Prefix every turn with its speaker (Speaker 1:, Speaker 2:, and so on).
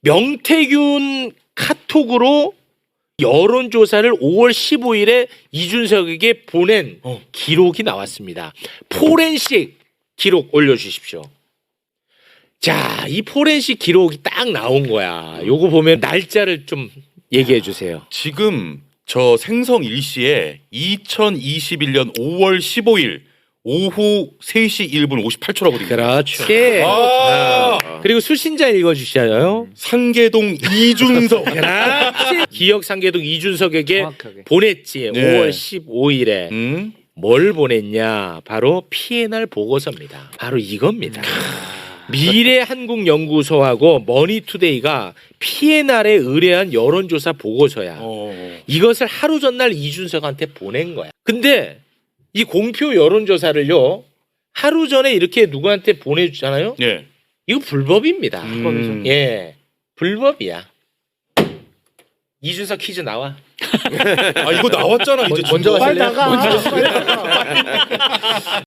Speaker 1: 명태균 카톡으로 여론조사를 5월 15일에 이준석에게 보낸 기록이 나왔습니다. 포렌식 기록 올려주십시오. 자, 이 포렌식 기록이 딱 나온 거야. 요거 보면 날짜를 좀 얘기해 주세요.
Speaker 2: 지금 저 생성 일시에 2021년 5월 15일 오후 3시 1분 58초라거든요.
Speaker 1: 그렇지. 그리고 수신자 읽어주셔요.
Speaker 2: 상계동 이준석.
Speaker 1: 그렇지. 기억 상계동 이준석에게
Speaker 3: 정확하게.
Speaker 1: 보냈지.
Speaker 2: 네.
Speaker 1: 5월 15일에. 뭘 보냈냐? 바로 P&R 보고서입니다. 바로 이겁니다. 미래한국연구소하고 머니투데이가 P&R에 의뢰한 여론조사 보고서야. 이것을 하루 전날 이준석한테 보낸 거야. 근데 이 공표 여론조사를요, 하루 전에 이렇게 누구한테 보내주잖아요.
Speaker 2: 예.
Speaker 1: 이거 불법입니다. 예, 불법이야. 이준석 퀴즈 나와.
Speaker 2: 아 이거 나왔잖아 이제
Speaker 3: 먼저
Speaker 2: 진짜.
Speaker 3: 가실래요?